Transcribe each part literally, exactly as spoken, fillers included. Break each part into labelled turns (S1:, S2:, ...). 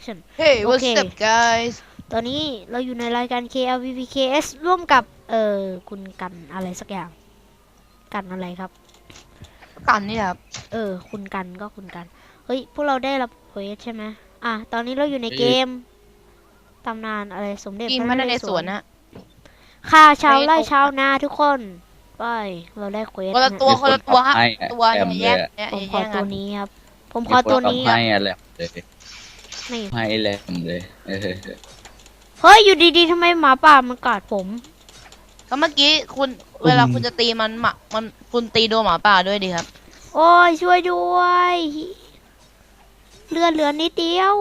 S1: Action
S2: Hey
S1: โอ
S2: what's
S1: เค
S2: up guys
S1: ตอนนี้เราอยู่ในรายการ เค แอล วี พี เค เอส ร่วมกับ เอ่อ คุณกันอะไรสักอย่าง กันอะไรครับ
S2: กันนี่ครับ
S1: เออ คุณกันก็คุณกัน เฮ้ย พวกเราได้รับเควสใช่ไหมอ่ะ ตอนนี้เราอยู่ในเกม ตำนานอะไรสมเด็จ
S2: กิน
S1: พระ
S2: พระ
S1: น
S2: น
S1: เร
S2: เร
S1: ศ
S2: ศ
S1: ว
S2: ว
S1: ร
S2: รนะ
S1: ฆ่าชาวไร่
S2: ไป
S1: ชาวนาทุกคน ไป เราได้เควส
S2: คนละ
S1: นะ
S2: ตัวคนละตัวฮะ
S3: ให้
S2: ตัว
S3: แอ
S2: อย่าม แยก
S3: เลยอะ
S2: เนี่ย
S1: ผม
S2: อย่า
S1: ขอ
S2: แย่ง
S1: ตั
S2: กั
S1: วน นี้ครับ ผมขอตัวนี้
S3: ให้อะไรเลย
S1: นี่
S3: ให้แหลมเลยเออ
S1: เฮ้ย อยู่ดีๆทำไมหมาป่ามันกัดผม
S2: ก็เมื่อกี้คุณเวลาคุณจะตีมันหมามันคุณตีโดนหมาป่าด้วยดิครับ
S1: โอ้ยช่วยด้วยเลือดเหลือนิดเดียว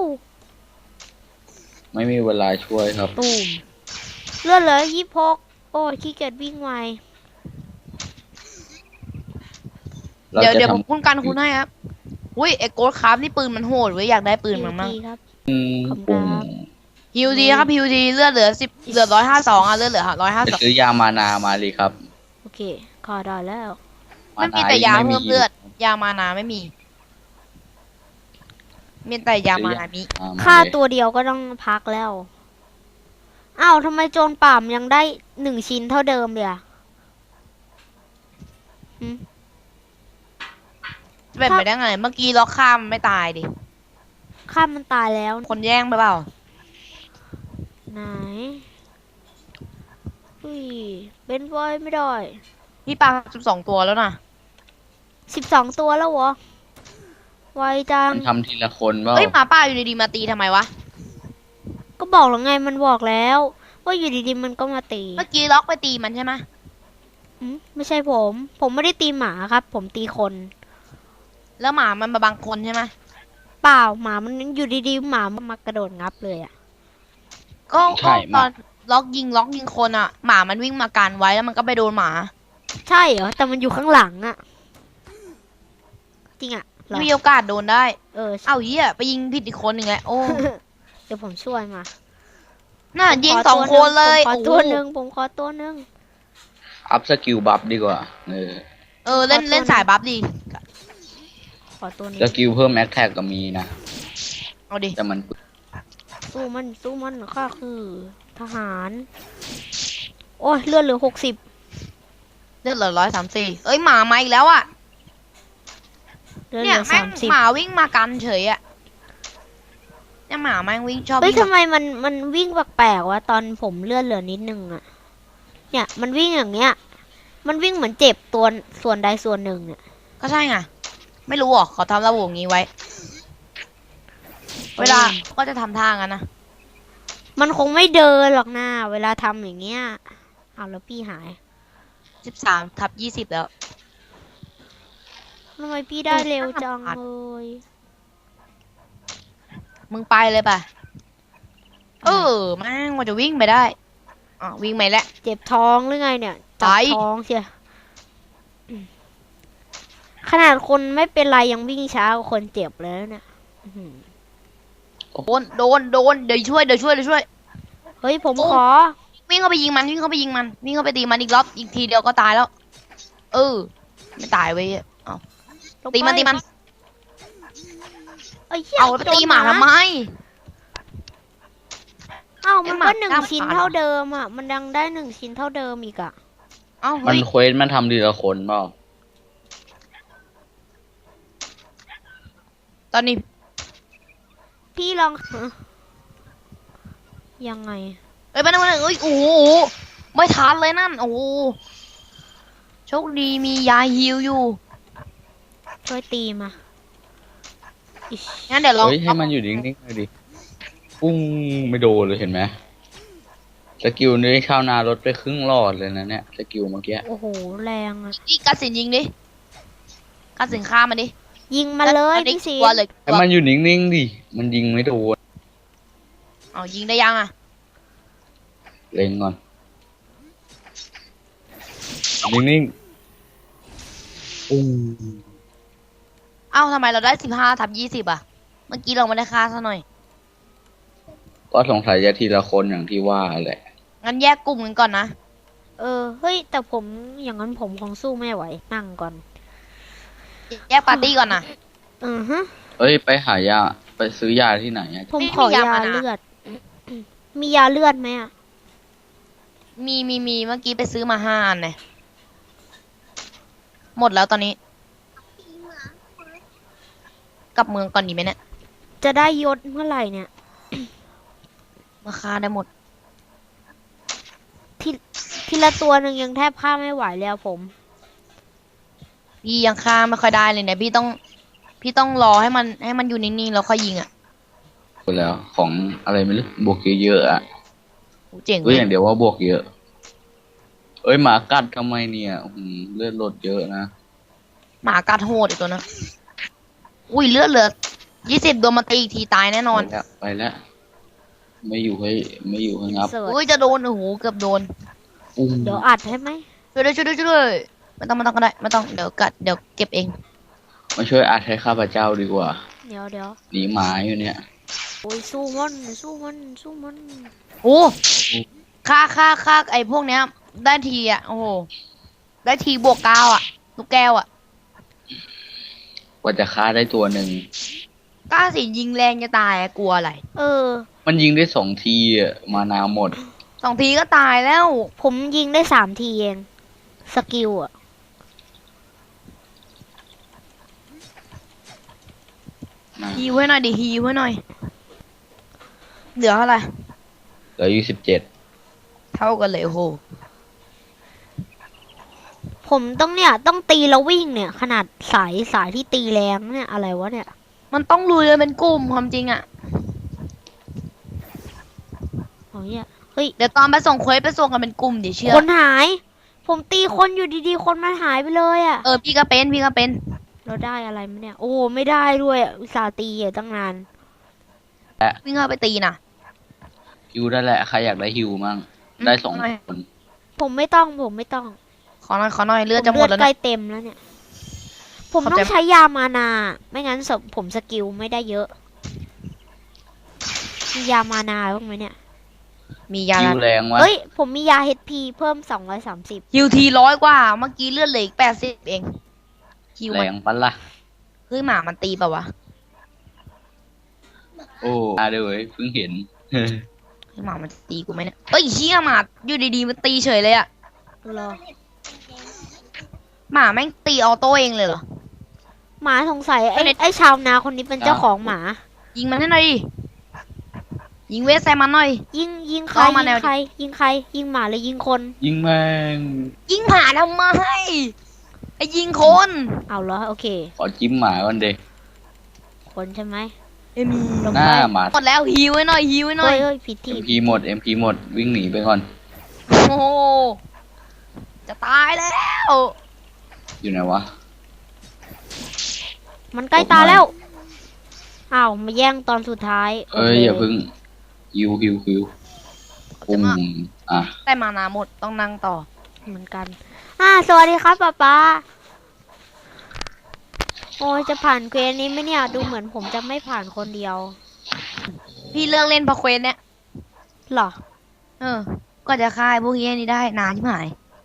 S3: ไม่มีเวลาช่วยครับ
S1: ตูมเลือดเหลือยี่สิบหกโอ้ยขี้เกียจวิ่งไว
S3: เรา
S2: เดี๋ยว
S3: จะ
S2: เดี๋ยว
S3: ท
S2: ผมคุ้นกันคุณให้ครับอุ้ยไอ้โกดคราฟนี่ปืนมันโหดเว้ยอยากได้ปืนมันมั่ง
S1: ดีครับ
S3: ำอืม
S1: ขอบคุณ
S3: ปุ่ม
S1: ครับ
S2: ฮิวดีครับฮิวดีเลือดเหลือสิบเหลือร้อยห้าสองอ่ะเลือดเหลือร้อยห้า
S3: ไป
S2: สอง
S3: ซื้อยามานามาเลยครับ
S1: โอเคขอได้แล้ว
S2: มันมีแต่ยาเพิ่มเลือด ยามานาไม่มี มีแต่ยามานามิ
S3: อ่ม
S1: ค่า
S3: เลย
S1: ตัวเดียวก็ต้องพักแล้ว อ้าวทำไมโจรป่ามยังได้หนึ่งชิ้นเท่าเดิมเลยอะหืม
S2: เป็นไปได้ไง เมื่อกี้ล็อกข้ามไม่ตายดิ
S1: ข้ามมันตายแล้ว
S2: คนแย่งไปเปล่า
S1: ไหนอุ้ยเป็นไว้ไม่ได้
S2: พี่ปลาสิบสองตัวแล้วนะ
S1: สิบสองตัวแล้วเหรอ ไวจัง
S3: มันทำทีละคนเปล่า
S2: เฮ้ยหมาป่าอยู่ดีๆมาตีทำไมวะ
S1: ก็บอกแล้วไงมันบอกแล้ว ว่าอยู่ดีๆมันก็มาตี
S2: เมื่อกี้ล็อกไปตีมันใช่ไหม
S1: อืมไม่ใช่ผม ผมไม่ได้ตีหมาครับ ผมตีคน
S2: แล้วหมามันมาบังคนใช่ไหม
S1: เปล่าหมามันอยู่ดีๆหมามันมากระโดดงับเลยอ่ะ
S2: ก็
S3: ใช่
S2: ก็ต
S3: มา
S2: อนล็อกยิงล็อกยิงคนอ่ะ หมามันวิ่งมากันไว้แล้วมันก็ไปโดนหมา
S1: ใช่เหรอแต่มันอยู่ข้างหลังอ่ะ จริงอ่ะเหรอ
S2: มีโอกาสโดนได้
S1: เออ
S2: เอ้าเหี้ยไปยิงผิดอีกคนหนึ่งแหละโอ้
S1: เดี๋ยวผมช่วยมา
S2: น่ายิง
S1: ผมข
S2: สองคนเลย
S1: ผมขอ
S2: โอ้โห
S1: ตัวหนึ่งผมขอตัวหนึ่ง
S3: อัพสกิลบัฟดีกว่าเออ
S2: เออเล่น
S1: ขอตัว
S2: เล่นสายบัฟดี
S1: ขอตัวนี้
S3: สกิลเพิ่มแอคแท็กก็มีนะ
S2: เอาดิ
S3: แต่มัน
S1: สู้มันสู้มันข้าคือ ทหาร โอ้ยเลือดเหลือหกสิบ
S2: เลือดเหลือร้อยสามสี่เอ้ยหมามาอีกแล้วอ่ะ
S1: เลือดเห
S2: เนี่ย
S1: ลือ
S2: แม่
S1: สาง มสิบ
S2: หมาวิ่งมากันเฉยอ่ะเนี่ยหมาแม่งวิ่งชอบ
S1: เฮ้ย
S2: วิ่ง
S1: ทำไมมันมันวิ่งแปลกๆวะตอนผมเลือดเหลือนิดนึงอะเนี่ยมันวิ่งอย่างเงี้ย มันวิ่งเหมือนเจ็บตัวส่วนใดส่วนหนึ่งเนี่ย
S2: ก็ใช่ไงไม่รู้หรอกเขาทำระบบงี้ไว้ เวลาก็จะทำท่างั้นนะ
S1: มันคงไม่เดินหรอกนะเวลาทำอย่างเงี้ยเอาแล้วพี่หาย
S2: สิบสามทับยี่สิบแล้ว
S1: ทำไมพี่ได้เร็วจังเลย
S2: มึงไปเลยป่ะ เออแม่งมันจะวิ่งไปได้อ๋อวิ่งไปแล้ว
S1: เจ็บท้องหรือไงเนี่ยจับ
S2: ไป
S1: ท้องเชียอืมขนาดคนไม่เป็นไรยังวิ่งช้ากว่าคนเจ็บเลยนะเนี่ยอื้อหือ
S2: โดนโดนโดนเดี๋ยวช่วยเดี๋ยวช่วยเดี๋ยวช่วย
S1: เฮ้ยผม
S2: โอ้
S1: ขอ
S2: วิ่งเข้าไปยิงมันวิ่งเข้าไปยิงมันวิ่งเข้าไปตีมันอีกรอบอีกทีเดียวก็ตายแล้ว เออ ไม่ตายเว้ยเอา
S1: ลงไป
S2: ตีมันตีมัน
S1: เอ้ยหี้ย
S2: เอาไปตีหมาทำไม
S1: เอ้ามัน
S2: ไอ้หมา
S1: ก็หนึ่ง
S2: กล้าม
S1: ชิ้น
S2: ขาด
S1: เท่าเดิมอ่ะ มันยังได้หนึ่งชิ้นเท่าเดิมอีกอ่ะ
S2: เอ้า
S3: มั
S2: เฮ้
S3: น
S2: ย
S3: เควสมันทำทีละคนเปล่า
S2: ตอนนี้
S1: พี่ลอง ยังไง
S2: เอ้ยไปนั่งมาหนึ่งเอ้ยโอ้โหไม่ทันเลยนั่นโอ้โหโชคดีมียาฮิวอยู่
S1: ช่วยตีมาอิ๊ช
S2: งั้นเดี๋ยวลอง
S3: เฮ้ยให้มันอยู่นิ่งๆเลยดิปุ้งไม่โดนเลยเห็นไหมสกิลนี้ชาวนาลดไปครึ่งหลอดเลยนะเนี่ยสกิลเมื่อกี้
S1: โอ้โห แรงอ่ะ
S2: นี่กัดสินยิงดิกัดสินฆ่ามันดิ
S1: ยิงมาเลย
S2: อาดิ
S1: พี่สิ
S2: กลัวเลยก
S3: ให้
S2: ลัว
S3: มันอยู่นิ่งๆดิมันยิงไม่โดน
S2: เอายิงได้ยังอ่ะ
S3: เล็งก่อนนิ่งๆปุ้ง
S2: เอ้าทำไมเราได้สิบห้าทับยี่สิบอ่ะ เมื่อกี้เราไม่ได้ฆ่าซะหน่อย
S3: ก็สงสัยจะทีละคนอย่างที่ว่าแหละ
S2: งั้นแยกกลุ่มกันก่อนนะ
S1: เออ เฮ้ย แต่ผมอย่างนั้นผมคงสู้ไม่ไหว นั่งก่อน
S2: แยกปาร์ตี้ก่อนนะ
S1: อือฮะ
S3: เอ้ยไปหายาไปซื้อยาที่ไหนอะ
S1: ผมขอยาเลือด มียาเลือดไหมอ่ะ
S2: มีมีมีเมื่อกี้ไปซื้อมาห้าอันเนี่ยหมดแล้วตอนนี้ กลับเมืองก่อนดีไหมเนี่ย
S1: จะได้ยศเมื่อไหร่เนี่ย
S2: มาค่าได้หมด
S1: ทีทีละตัวหนึ่งยังแทบฆ่าไม่ไหวแล้วผม
S2: พี่ยังฆ่าไม่ค่อยได้เลยเนี่ยพี่ต้อง พี่ต้องรอให้มันให้มันอยู่นิ่งๆแล้วค่อยยิงอ่ะ
S3: ไปแล้วของอะไรไม่รู้บวกเยอะๆอ่ะ
S2: โหเจ๋ง
S3: รู้
S2: เล
S3: อย ย่างเดียวว่าบวกเยอะ เอ้ยหมากัดทำไมเนี่ยอืมเลือดลดเยอะนะ
S2: หมากัดโหดอีกตัวนะอุ้ยเลือดเหลือยี่สิบโดนมาตีอีกทีตายแน่นอน
S3: ไปแล้วไปแล้วไม่อยู่ให้ไม่อยู่ให้งับ
S1: เสิร์ช
S2: อุ้ยจะโดนโอ้โหเกือบโดน
S3: อุ้ม
S1: เดี๋ยวอัดให้ไหม
S2: ช่วยด้วยช่วยด้วยช่วยด้วยไม่ต้องไม่ต้องก็ได้ไม่ต้องเดี๋ยวกัดเดี๋ยวเก็บเอง
S3: มาช่วยอัดให้ข้าพเจ้าดีกว่า
S1: เดี๋ยวเดี๋ยว
S3: หนีหมาอยู่เนี่ย
S1: โอ้ยสู้มันสู้มันสู้มัน
S2: โอ้ค่าค่าค่าไอ้พวกเนี้ย ได้ทีอ่ะโอ้โหได้ทีบวกเก้าอ่ะลูกแก้วอ่ะ
S3: กว่าจะฆ่าได้ตัวหนึ่ง
S2: กล้าสิยิงแรงจะตายอะกลัวอะไร
S1: เออ
S3: มันยิงได้สองทีอะมานาหมด
S2: สองทีก็ตายแล้ว
S1: ผมยิงได้สามทีเอง สกิลอ่ะ
S3: นะ
S2: ฮีไว้หน่อยดิฮีไว้หน่อยเหลือเท่าไหร่
S3: เหลืออยู่สิบเจ็ด
S2: เท่ากันเลยโอ้โห
S1: ผมต้องเนี่ย ต้องตีแล้ววิ่งเนี่ย ขนาดสายสายที่ตีแรงเนี่ยอะไรวะเนี่ย
S2: มันต้องลุยกันเป็นกลุ่มความจริงอ่ะ
S1: โอ้ยเนี่ยเฮ้ย
S2: เดี๋ยวตอนไปส่งเควสไปส่งกันเป็นกลุ่มดิเชื่อ
S1: คนหาย ผมตีคนอยู่ดีๆ คนมันหายไปเลยอ่ะ
S2: เออพี่ก็เป็นพี่ก็เป็น
S1: เราได้อะไรมั้ยเนี่ย โอ้ไม่ได้ด้วยอะอุตส่าห์ตีอ่ะตั้งนาน
S2: วิ่งเข้าไปตีนะ
S3: ฮิวได้แหละใครอยากได้ฮิวมั่งได้สอง
S2: ไม่
S3: คน
S1: ผมไม่ต้องผมไม่ต้อง
S2: ขอหน่อยขอหน่อยเลือด
S1: ผ
S2: จะหมด
S1: เลื
S2: แล้ว
S1: ใกล้
S2: นะ
S1: เต็มแล้วเนี่ย ผม
S2: ขอบ
S1: ต้อ
S2: ใจ
S1: งใช้ยามานา ไม่งั้นสผมสกิลไม่ได้เยอะ มียามานาบ้างไหมเนี่ย
S2: มียา
S3: ฮิวแรงวะ
S1: เฮ้ย ผมมียา เอช พี เพิ่มสองร้อยสามสิบ
S2: ฮิวทีร้อยกว่า เมื่อกี้เลือดเหลืออีกแปดสิบเองฮิว
S3: แร
S2: มัน
S3: งปะล่ะ
S2: เฮ้ยหมามันตีเปล่าวะ
S3: โอ้อาเดี๋ยวเว้ยเพิ่งเห็น
S2: เฮ้ยหมามันตีกูไหมเนี่ยเอ้ยเชี่ยหมาอยู่ดีๆมันตีเฉยเลยอะ
S1: รอ
S2: หมาแม่งตีออโต้เองเลยเหรอ
S1: หมาสงสัยไอ้
S2: ไม่ได้
S1: ไอ้ชาวนาคนนี้เป็นเจ้าของหมา
S2: ยิงมันให้หน่อยดิยิงเวสใส่มันหน่อย
S1: ยิงยิงใคร
S2: เข้ามา
S1: ยิ
S2: แนว
S1: งใคร ยิงใคร ยิงหมาหรือยิงคน
S3: ยิงแม่ง
S2: ยิงหมาทำไมไอ้ยิงคน
S1: เอาเหรอโอเค
S3: ขอจิ้มหมาก่อนเด็ก
S1: คนใช่ไหม
S2: เอ็มี
S1: ลง
S3: หน้า
S1: ไป
S3: หมา
S2: หมดแล้วฮิวไว้หน่อยฮิวไว้หน่
S1: เฮ้
S2: อย
S1: ยเฮ้ยผิด
S3: เอ็
S1: ที่
S3: มพีหมดเอ็มพีหมดวิ่งหนีไปก่อน
S2: โอ้โหจะตายแล้ว
S3: อยู่ไหนวะ
S1: มันใกล้ตาแล้ว อ้าว มาแย่งตอนสุดท้าย
S3: เอ้ย
S1: โค
S3: อย่าเพึ่งฮิวฮิวฮิวปุ้มอ่ะ
S2: แต่มานาหมดต้องนั่งต่อ
S1: เหมือนกัน อ่า สวัสดีครับป๊าป๊าโอ้ยจะผ่านเควสนี้ไหมเนี่ย ดูเหมือนผมจะไม่ผ่านคนเดียว
S2: พี่เลิกเล่นพอเควสเนี่ย
S1: หรอ
S2: เออ ก็จะค่ายพวกนี้นี่ได้นานที่หมาย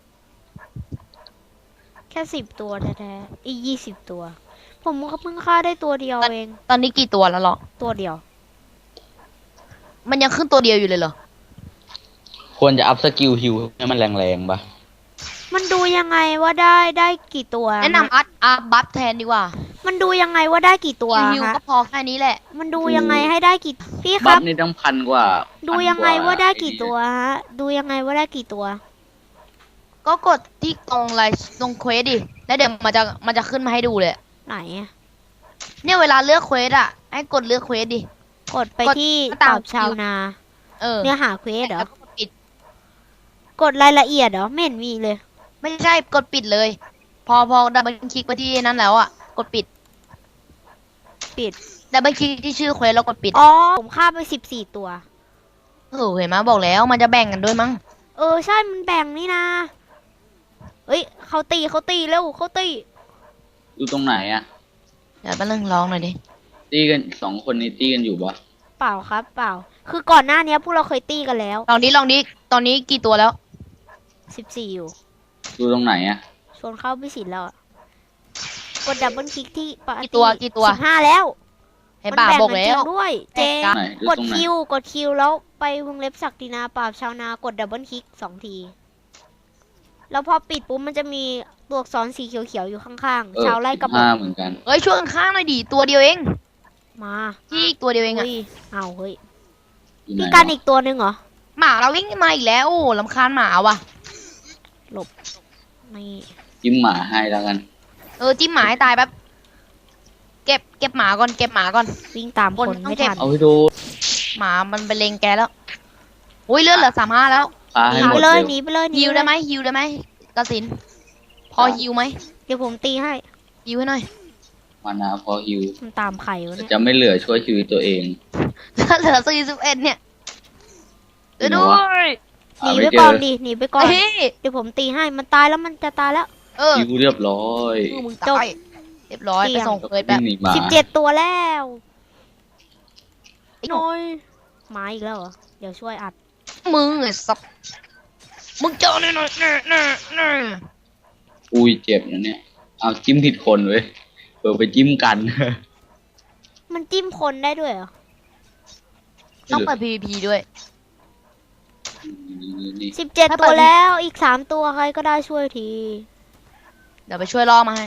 S1: แค่สิบตัวแท้ๆอียี่สิบตัว ผมก็เพิ่งฆ่าได้ตัวเดียวเอง
S2: ตอนนี้กี่ตัวแล้วหรอ
S1: ตัวเดียว
S2: มันยังขึ้นตัวเดียวอยู่เลยเหรอ
S3: ควรจะอัพสกิลฮิวให้มันแรงๆปะ
S1: มันดูยังไงว่าได้ได้กี่ตัว
S2: แนะนำอัพอัพบัฟแทนดีกว่า
S1: มันดูยังไงว่าได้กี่ตัว
S2: ฮิว
S1: ฮะ
S2: ก็พอแค่นี้แหละ
S1: มันดูยังไงให้ได้กี่ พี่ค
S3: บั
S1: รั
S3: ฟ
S1: บ
S3: นี่ต้องพันกว่า
S1: ดู
S3: พัน
S1: ยังไง
S3: ก
S1: ว่าได้กี่ตัวฮะ ดูยังไงว่าได้กี่ตัว
S2: ก็กดที่ตรงไลน์ตรงเควสดิ แล้วเดี๋ยวมันจะมันจะขึ้นมาให้ดูเลย
S1: ไหนอะ
S2: เนี่ยเวลาเลือกเควสอ่ะ ให้กดเลือกเควสดิ
S1: กดไป
S2: กด
S1: ที่
S2: ตา
S1: ต
S2: ม
S1: อบชาวนา
S2: เออ
S1: เนื้อหาเควสเหรอ
S2: แล้วก็กดปิด
S1: กดรายละเอียดเหรอ ไม่เห็นมีเลย
S2: ไม่ใช่กดปิดเลย พอพอดับเบิลคลิกไปที่นั้นแล้วอ่ะ กดปิด
S1: ปิด
S2: ดับเบิลคลิกที่ชื่อเควสแล้วกดปิด
S1: อ๋อ ผมฆ่าไปสิบสี่ตัว
S2: เออเห็นไหมบอกแล้วมันจะแบ่งกันด้วยมั้ง
S1: เออ ใช่ มันแบ่งนี่นะเอ้ย เขาตีเขาตีเร็วเขาตี
S3: อยู่ตรงไหนอ่ะ
S2: เดี๋ยวแป๊บนึงร้องหน่อยดิ
S3: ตีกันสองคนนี้ตีกันอยู่ปะ
S1: เปล่าครับ เปล่า คือก่อนหน้านี้พวกเราเคยตีกันแล้ว
S2: ลองดิลองดิตอนนี้กี่ตัวแล้ว
S1: สิบสี่อยู่
S3: อยู่ตรงไหนอ่ะ
S1: ชวนเข้าพิสิทธิ์แล้วอะกดดับเบิลคลิกที่ปาร์
S2: กี่ตัวกี่ตัว
S1: สิบห้าแล้ว
S2: ไอ้
S1: มัน
S2: บ่า
S1: แบ่ง
S2: บอก
S1: กัน
S2: แล้
S1: จริง
S2: ว
S1: ด้วยเจ
S2: แบ่ง
S3: ไหนดู
S1: กด
S3: ตรงไหน
S1: คิวกดคิวแล้วไปวงเล็บศักดินาปราบชาวนากดดับเบิลคลิกสองที แล้วพอปิดปุ๊บมันจะมีตัวอักษรสีเขียวๆอยู่ข้าง
S3: เออ
S1: ๆ ชาวไร่กระบ
S3: ห้า
S1: อก
S3: เหมือนกัน
S2: เฮ้ยช่วยกันข้างหน่อยดิตัวเดียวเอง
S1: มา
S2: ที่อีกตัวเดียวเองอะ
S1: เฮ้ยเอาเฮ้ย
S3: อยู่ไหน
S1: พี่กัน
S3: วะ
S1: อีกตัวหนึ่งเหรอ
S2: หมาเราวิ่งมาอีกแล้วโอ้ลำคาญหมาว่ะ
S1: นี่
S3: จิ้มหมาให้แล้วกัน
S2: เออจิ้มหมาให้ตายแป๊บเก็บเก็บหมาก่อนเก็บหมาก่อน
S1: วิ่งตามคน
S2: คนต้อง
S1: ไม่
S2: เก็บ
S1: ทัน
S3: เอาให้ดู
S2: หมามันไปเลงแกแล้วอุ้ยเลือดเหลือสามห้าแล้ว
S3: พา
S1: ห
S3: ให้
S1: นี
S3: หม
S1: ไป
S3: ด
S1: เลย
S3: เร็ว
S1: หนีไปเลย
S2: ฮิว
S1: ป
S2: ได้
S1: เลย
S2: ไหมฮิวได้ไหมกระสินพอฮิวไหม
S1: เดี๋ยวผมตีให้
S2: ฮิวให้หน่อย
S3: มานาพอฮิว
S1: มันตามไข่วะเนี่ย
S3: จะไม่เหลือช่วยชีวิตตัวเอง
S2: เหลือสี่สิบเอ็ดเนี่ยเดี๋ยวด้วย
S1: หนี
S3: หา
S1: ไป
S3: ไม่เจ
S1: ก่อ
S3: อน
S1: ดิหนีไปก่อน
S2: เฮ้ย
S1: เดี๋ยวผมตีให้มันตายแล้วมันจะตายแล้ว
S2: เออ
S3: ฮิวเรียบร้อย
S2: คือมึง
S1: จบ
S2: ตายเรียบร้อย
S1: เสี่
S2: ไป
S1: ยง
S2: ส่งเคยแบ
S3: วิ่
S2: บ
S3: งหนีหมา
S1: สิบเจ็ดตัวแล้ว
S2: ไอ้หนู
S1: น้อยหมาอีกแล้วเหรอเดี๋ยวช่วยอัด
S2: มึงไอ้สับมึงเจอหน่อยหน่อยหน่อยหน่อยหน่อย
S3: อุ้ยเจ็บนะเนี่ย เอาจิ้มผิดคนเว้ยเปิดไปจิ้มกัน
S1: มันจิ้มคนได้ด้วยเหรอ
S2: ต้องเปิด พี วี พี ด้วย
S3: นี่นี่
S1: สิบเจ็ด
S2: ถ้าเปิ
S1: ตัว
S2: ด
S1: แล้วอีกสามตัวใครก็ได้ช่วยที
S2: เดี๋ยวไปช่วยล่อมาให้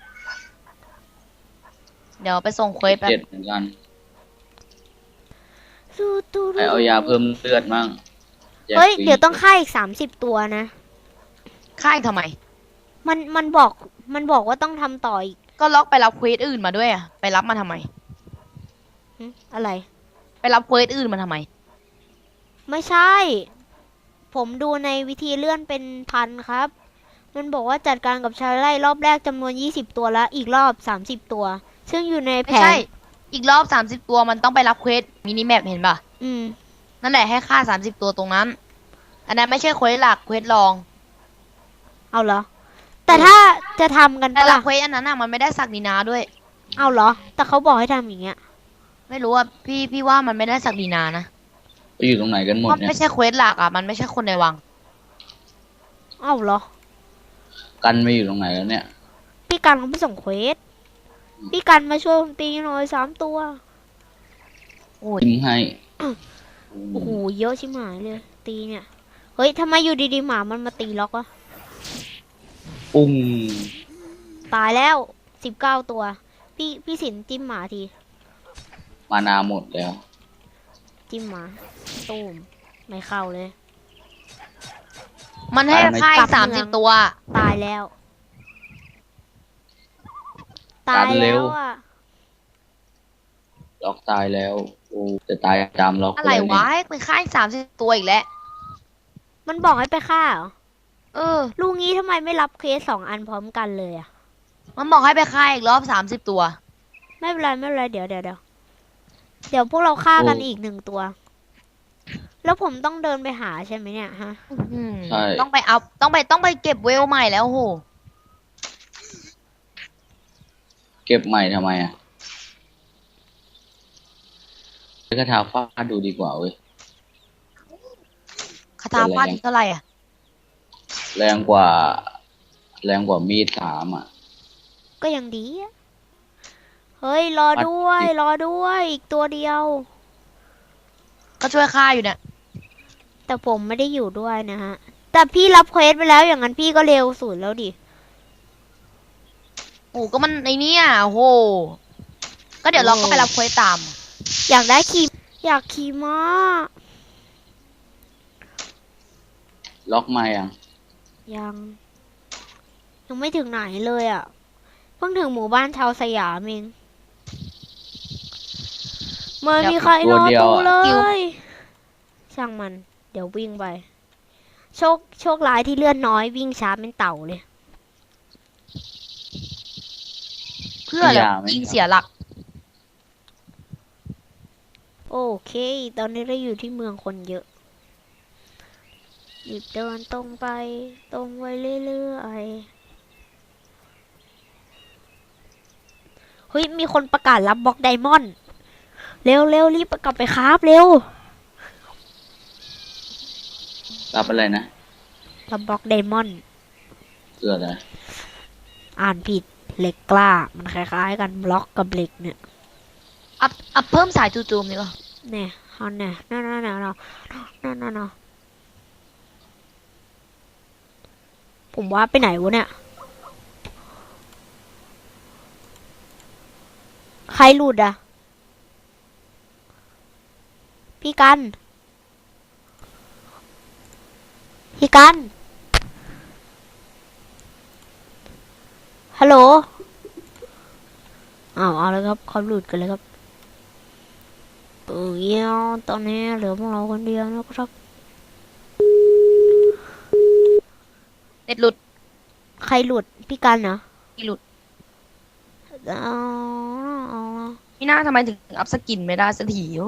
S2: เดี๋ยวไปส่งเควสแป๊บ
S3: เจ็ดเหมือนกัน
S1: สู้ตู้
S3: ไปเอายาเพิ่มเลือดมั่งแจก
S1: เฮ้ย
S3: ฟรี
S1: เดี๋ยวต้องฆ่าอีกสามสิบตัวนะ
S2: ค่ายทำไม
S1: มันมันบอกมันบอกว่าต้องทำต่ออีก
S2: ก็ล็อกไปรับเควสอื่นมาด้วยอะไปรับมาทำไม
S1: หึอะไร
S2: ไปรับเควสอื่นมาทำไม
S1: ไม่ใช่ ผมดูในวิธีเลื่อนเป็นพันครับ มันบอกว่าจัดการกับชายไร่รอบแรกจำนวนยี่สิบตัวแล้วอีกรอบสามสิบตัว ซึ่งอยู่ในแผ
S2: ไม่ใช่
S1: น
S2: อีกรอบสามสิบตัวมันต้องไปรับเควสมินิแมปเห็นป่ะ
S1: อืม
S2: นั่นแหละให้ค่าสามสิบตัวตรงนั้น อันนั้นไม่ใช่เควสหลักเควสรอง
S1: เอาเหรอ แต่ถ้าจะทำกัน
S2: แต่
S1: ปะ
S2: หลั
S1: ล่ะ
S2: กเควสอันนั้นน่ะมันไม่ได้สักดินาด้วย
S1: เอาเหรอ แต่เขาบอกให้ทำอย่างเงี้ย
S2: ไม่รู้ว่าพี่พี่ว่ามันไม่ได้สักดินานะ
S3: ไปอยู่ตรงไหนกันหมด
S2: เพราะ
S3: เนี่ย
S2: ไม่ใช่เควสหลักอ่ะมันไม่ใช่คนในวัง
S1: เอาเหรอ
S3: กันไม่อยู่ตรงไหนแล้วเนี่ย
S1: พี่กันเขาไปส่งเควส พี่กันมาช่วยผมตีหน่อยสามตัว
S2: โอ้ย
S3: จิ้มให้
S1: โอ้โห เยอะชิบหายเลย ตีเนี่ย เฮ้ยทำไมอยู่ดีๆหมามันมาตีล็อกวะ
S3: ปุ้ง
S1: ตายแล้วสิบเก้าตัว พี่พี่สินจิ้มหมาที
S3: มานาหมดแล้ว
S1: จิ้มหมา ตูม ไม่เข้าเลย
S2: มันให้ค่าย
S1: กลับ
S2: สาม
S1: เมื
S2: สิ
S1: อบ ง
S2: ตัว
S1: ตายแล้ว ตายแล้วอ่ะ
S3: ล็อกตายแล้วโอ้จะตายตามล็อก
S2: อะไร
S3: เลยว
S2: ะ
S3: เนี่ย
S2: ให้เป็นค่ายสามสิบตัวอีกแล้ว
S1: มันบอกให้ไปฆ่าเหรอ
S2: เออ
S1: ลูกงี้ทำไมไม่รับเคสสองอันพร้อมกันเลยอ่ะ
S2: มันบอกให้ไปค่ายอีกรอบสามสิบตัว
S1: ไม่เป็นไรไม่เป็นไรเดี๋ยวเดี๋ยวเดี๋ยวเดี๋ยวพวกเราฆ่ากันอีกหนึ่งตัว แล้วผมต้องเดินไปหาใช่ไหมเนี่ยฮะ
S2: อืม
S3: ใช่
S2: ต้องไปเอาต้องไปต้องไปเก็บเวลใหม่แล้วโห
S3: เก็บใหม่ทำไมอ่ะใช้คาถาฟาดดูดีกว่าเว้ย
S2: คาถาฟาดอีกเท่าไหร่อ่ะ
S3: แรงกว่า แรงกว่ามีดสามอ่ะ
S1: ก็ยังดีอะเฮ้ย รอด้วย รอด้วย อีกตัวเดียว
S2: ก็ช่วยค่ายอยู่เนี่ย
S1: แต่ผมไม่ได้อยู่ด้วยนะฮะ แต่พี่รับเควสไปแล้วอย่างนั้นพี่ก็เร็วสุดแล้วดิ
S2: โอ้ก็มันในเนี้ยโห ก็เดี๋ยวเราก็ไปรับเควสตาม
S1: อยากได้ขี่อยากขี่ม้า
S3: ล็อกมายัง
S1: ยัง ยังไม่ถึงไหนเลยอ่ะ เพิ่งถึงหมู่บ้านชาวสยามเองเมื่อมีใครรอตู้เลย ช่างมัน เดี๋ยววิ่งไป โชคโชคร้ายที่เลื่อนน้อยวิ่งช้าเป็นเต่าเลย
S2: เพื่ออะไรยิงเสียหลัก
S1: โอเค ตอนนี้เราอยู่ที่เมืองคนเยอะหยิบเดินตรงไป ตรงไว้เรื่อยๆ เฮ้ย มีคนประกาศรับบล็อกไดมอนด์ เร็วเร็วรีบกลับไปคราฟเร็ว
S3: รับอะไรนะ
S1: รับบล็อกไดมอนด์
S3: เสื้ออะไร
S1: อ่านผิด เหล็กกล้า มันคล้ายๆกันบล็อกกับเหล็กเนี่ย
S2: อัพอัพเพิ่มสายจู่โจมดีกว่า
S1: เนี่ยเอาเนี่ยนั่นนั่นนั่นนั่นนั่นนั่นผมว่าไปไหนวะเนี่ย ใครหลุดอ่ะ พี่กัน พี่กัน ฮัลโหลอ้าวเอาเลยครับเขาหลุดกันเลยครับเออเยี่ยมตอนนี้เหลือพวกเราคนเดียวนะครับ
S2: เน็ตหลุด
S1: ใครหลุด พี่กันเหรอ
S2: พี่หลุด
S1: เอาเอา
S2: พี่หน้าทำไมถึงอัพสกินไม่ได้สักทีโอ้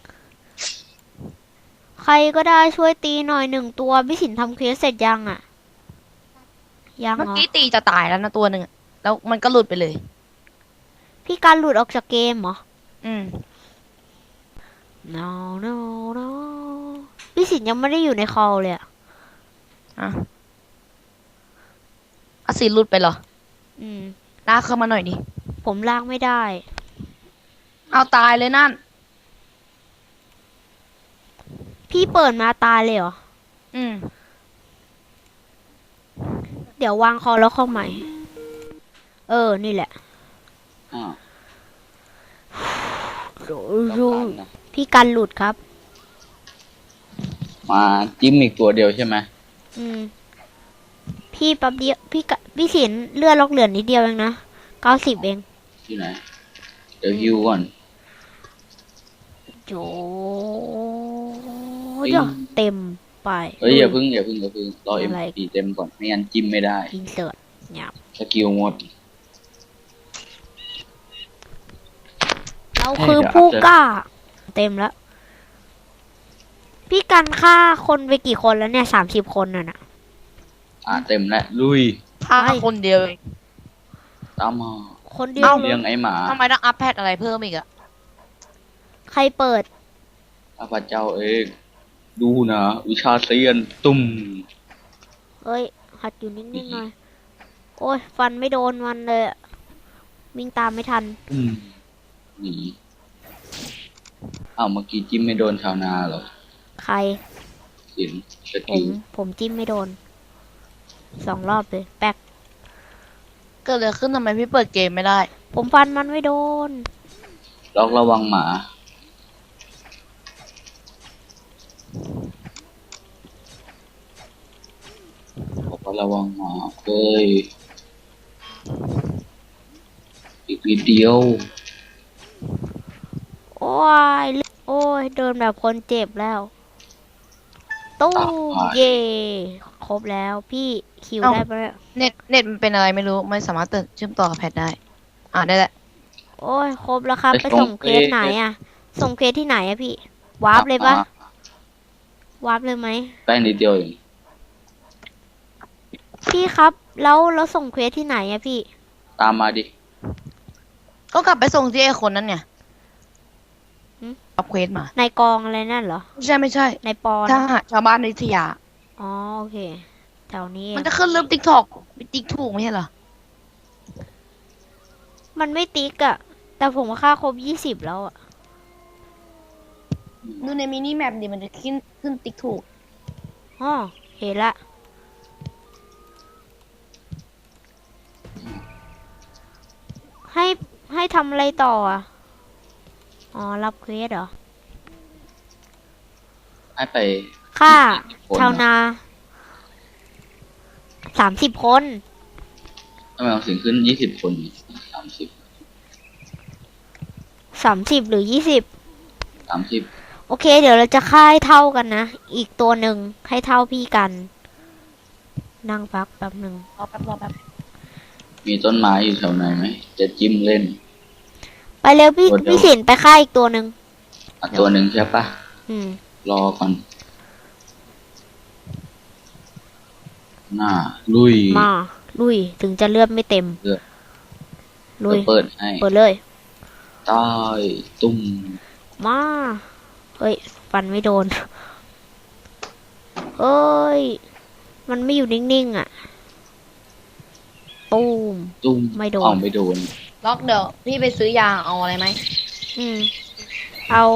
S1: ใครก็ได้ช่วยตีหน่อยหนึ่งตัว พี่สินทำเควสเสร็จยังอ่ะ ยัง
S2: เมื่อ
S1: เหรอ
S2: กี้ตีจะตายแล้วนะตัวหนึ่งอะแล้วมันก็หลุดไปเลย
S1: พี่การหลุดออกจากเกมเหรอ
S2: อืม
S1: no no no พี่สินยังไม่ได้อยู่ในคอลเลยอ่ะ
S2: อ่ะอาศิหลุดไปเหรอ
S1: อืม
S2: ลากเข้ามาหน่อยดิ
S1: ผมลากไม่ได้
S2: เอาตายเลยนั่น
S1: พี่เปิดมาตายเลยเหรอ
S2: อืม
S1: เดี๋ยววางคอแล้วเข้าใหม่ เออ นี่แหละ
S3: อ้าว
S1: ดู
S3: ต้อง
S1: ดู
S3: การนะ
S1: พี่กันหลุดครับ
S3: มาจิ้มอีกตัวเดียวใช่ไหม
S1: อืม พี่แป๊บเดียวพี่กะพี่สินเลือดล็อกเหลือนิดเดียวเองนะเก้าสิบเอง
S3: ที่ไหน เดี๋ยวฮิวก่อน
S1: โจยเต็มไป
S3: เฮ้ยอย่าเพึ่งอย่าเพึ่งอย่าเพึ่งรอเอ็ม
S1: อะไร
S3: พีเต็มก่อนไม่งั้นจิ้มไม่ได้
S1: อินเสิร์ตหยับ
S3: สกิลหมด
S1: เราคือผู้กล้า เต็มแล้ว พี่กันฆ่าคนไปกี่คนแล้วเนี่ยสามสิบคนน่ะนะ
S3: อ่ะเต็มแล้วลุย
S2: พาคนเดียวเอง
S3: ตามมา
S1: คนเดียว
S2: เอ้า
S1: เล
S3: เลี้
S1: ย
S3: ยงไอ้หมา
S2: ทำไมต้องอัพแพทอะไรเพิ่มอีกอะ
S1: ใครเปิด
S3: ข้าพเจ้าเองดูนะวิชาเซียนตุ้ม
S1: เอ้ย หัดอยู่นิ่งๆหน่อย โอ้ย ฟันไม่โดนมันเลยอะวิ่งตามไม่ทัน
S3: ตุ้มหนีอ้าวเมื่อกี้จิ้มไม่โดนชาวนาเหรอ
S1: ใคร
S3: สินส
S1: ผ
S3: กิ
S1: ม
S3: ล
S1: ผมจิ้มไม่โดน สองรอบเลย แป๊ก
S2: เกิดอะไรขึ้นทำไมพี่เปิดเกมไม่ได้
S1: ผมฟันมันไม่โดน
S3: ล็อกระวังหมาบอกว่าระวังหมาเฮ้ยอีกนิดเดียว
S1: โอ้ย โอ้ย เดินแบบคนเจ็บแล้ว ตู้มเย่ครบแล้ว พี่คิว
S2: เอ้า
S1: ได้ปะเนี่ย
S2: เน็ตเน็ตมันเป็นอะไรไม่รู้ไม่สามารถเติมเชื่อมต่อกับแพทได้ อ่าได้แหละ
S1: โอ้ย ครบแล้วครับ
S3: ไป
S1: ไป
S3: ส่
S1: ส่
S3: ง
S1: งเคสไหนอะส่งเคสที่ไหนอะพี่ วาร์ปเลยปะ วาร์ปเลยไหม
S3: ใกล้นิดเดียวเอง
S1: พี่ครับ แล้วเราส่งเควสที่ไหนอะพี่
S3: ตามมาดิ
S2: ก็กลับไปส่งที่ไอ้คนนั้นเนี่ย
S1: หืม
S2: รับเควสมา
S1: ในกองอะไรนั่นเหรอ
S2: ไม่ใช่ไม่ใช่
S1: ในปอน
S2: ถ้าชาวบ้านในอยุธยา
S1: อ๋อโอเค แถวนี้เอง
S2: มันจะขึ้นรูปติ๊กถอกติ๊กถูกไม่ใช่เหรอ
S1: มันไม่ติ๊กอะแต่ผมค่าครบยี่สิบแล้วอะ
S2: ดูในมินิแมปดิมันจะขึ้นขึ้นติ๊กถูก
S1: อ๋อเห็นละ ให้ให้ทำอะไรต่ออะอ๋อ รับเควสเหรอ
S3: ให้ไป
S1: ค่า
S3: คน
S1: ชาวนาสามสิบคน
S3: ทำไมเราถึงขึ้นยี่สิบคนสามสิบ
S1: สามสิบหรือยี่สิบ
S3: สามสิบ
S1: โอเค เดี๋ยวเราจะค่ายเท่ากันนะ อีกตัวหนึ่งให้เท่าพี่กัน นั่งพักแป๊บหนึ่ง
S2: รอแป๊บรอแป๊บ
S3: มีต้นไม้อยู่แถวไหนไหม จะจิ้มเล่น
S1: ไปเร็วพี่
S3: ตัวเดียว
S1: พี่สินไปค่ายอีกตัวหนึ่ง
S3: อ่ะตัวหนึ่งใช่ปะ
S1: อืม
S3: รอก่อน หน้า ลุย
S1: มา ลุย ถึงจะเลือดไม่เต็ม
S3: เลือด
S1: ลุย
S3: เปิดให้
S1: เปิดเลย
S3: ใต้ตุ้ม
S1: มา เฮ้ย ฟันไม่โดน เอ้ย มันไม่อยู่นิ่งๆอ่ะ ตูม
S3: ตุ้ม
S1: ไม่โดน
S3: เอาไม่โดน
S2: ล็อกเดี๋ยวพี่ไปซื้อยาเอาอะไรไหม
S1: อืม เอา